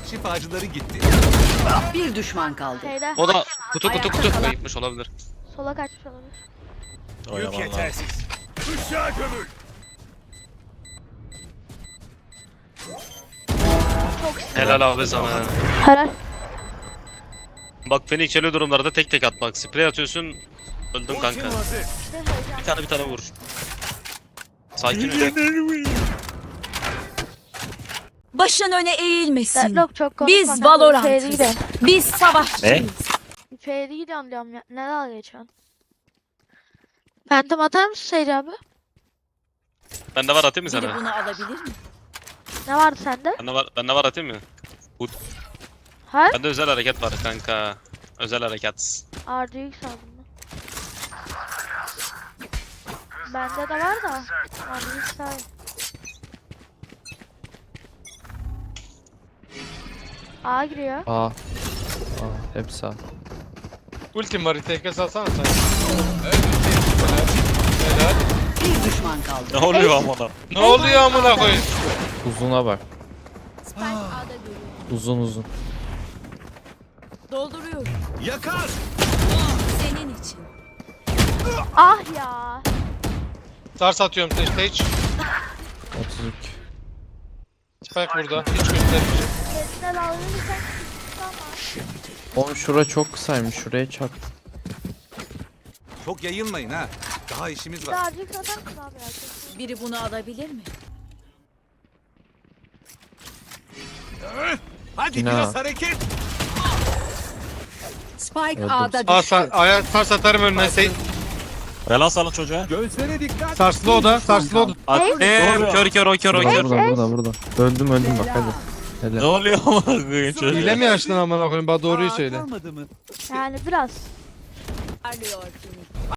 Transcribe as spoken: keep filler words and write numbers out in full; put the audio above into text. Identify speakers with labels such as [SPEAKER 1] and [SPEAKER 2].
[SPEAKER 1] Şifacıları gitti.
[SPEAKER 2] Bir düşman kaldı.
[SPEAKER 3] Şeyde.
[SPEAKER 4] O da kutu kutu kutu
[SPEAKER 3] Ayakta
[SPEAKER 4] gitmiş olabilir.
[SPEAKER 3] Sola kaçmış olabilir.
[SPEAKER 1] Yük yetersiz. Işığa gömül.
[SPEAKER 4] Helal abi sana.
[SPEAKER 3] Helal.
[SPEAKER 4] Bak Phoenix öyle durumlarda tek tek atmak. Sprey atıyorsun. Öldün kanka.
[SPEAKER 1] Ultim hazır.
[SPEAKER 3] İşte heyecan.
[SPEAKER 4] Bir tane bir tane vur. Sakin ol.
[SPEAKER 5] Başın öne eğilmesin.
[SPEAKER 3] Deadlock çok konuşma.
[SPEAKER 5] Biz
[SPEAKER 3] kanka,
[SPEAKER 5] Valorant'ız.
[SPEAKER 3] içeri gidin.
[SPEAKER 5] Biz savaşçıyız.
[SPEAKER 3] İçeri gidiyorum diyorum ya. Ne dalga geçiyorsun? Phantom atar mısın Seyir abi?
[SPEAKER 4] Bende var atayım mı
[SPEAKER 5] Biri
[SPEAKER 4] sana?
[SPEAKER 5] bunu alabilir mi?
[SPEAKER 3] Ne vardı sende?
[SPEAKER 4] Bende var, bende var atayım mı?
[SPEAKER 3] Ha?
[SPEAKER 4] Bende özel hareket var kanka. Özel hareket.
[SPEAKER 3] R D X aldım ben. Bende de var da. R D X daha iyi. A giriyor.
[SPEAKER 6] Aa. Aa, hepsi A.
[SPEAKER 7] Ultim var, T K salsana sen.
[SPEAKER 2] Bir düşman kaldı.
[SPEAKER 4] Ne oluyor amına?
[SPEAKER 7] Ne oluyor amına koyayım?
[SPEAKER 6] Uzuna bak.
[SPEAKER 5] Spike A'da görüyor.
[SPEAKER 6] Uzun uzun.
[SPEAKER 5] Dolduruyorum.
[SPEAKER 1] Yakar.
[SPEAKER 5] Senin için.
[SPEAKER 3] Ah ya.
[SPEAKER 7] Stars atıyorum stage. stage.
[SPEAKER 6] otuz iki.
[SPEAKER 7] Spike burada. Hiç göstermeyeceğim.
[SPEAKER 3] Kendine dalga geçen ama.
[SPEAKER 6] Oğlum şura çok kısaymış. Şuraya çak.
[SPEAKER 1] Çok yayılmayın ha. Daha işimiz
[SPEAKER 3] Bir
[SPEAKER 1] var.
[SPEAKER 3] daha R D X atar mısın abi ya? Kesin.
[SPEAKER 5] Biri bunu alabilir mi?
[SPEAKER 1] Hadi
[SPEAKER 6] Yine
[SPEAKER 1] biraz
[SPEAKER 6] ha.
[SPEAKER 1] hareket.
[SPEAKER 2] Spike
[SPEAKER 6] Evet,
[SPEAKER 2] A'da
[SPEAKER 7] Aa,
[SPEAKER 2] düştü.
[SPEAKER 7] sa aya stars atarım önüne. Sage.
[SPEAKER 4] Helal sana çocuğa.
[SPEAKER 1] Gözlere dikkat.
[SPEAKER 7] Starslı o da. Starslı o da.
[SPEAKER 4] Attım. Kör kör o kör o
[SPEAKER 6] Burada
[SPEAKER 4] kör.
[SPEAKER 6] burada burada burada. Öldüm öldüm bak hadi. Hele.
[SPEAKER 4] oluyor amına koyayım
[SPEAKER 7] Hile mi açtın amına koyayım? Bana doğruyu söyle.
[SPEAKER 1] Kalmadı mı?
[SPEAKER 3] Yani biraz.
[SPEAKER 5] Parlıyor.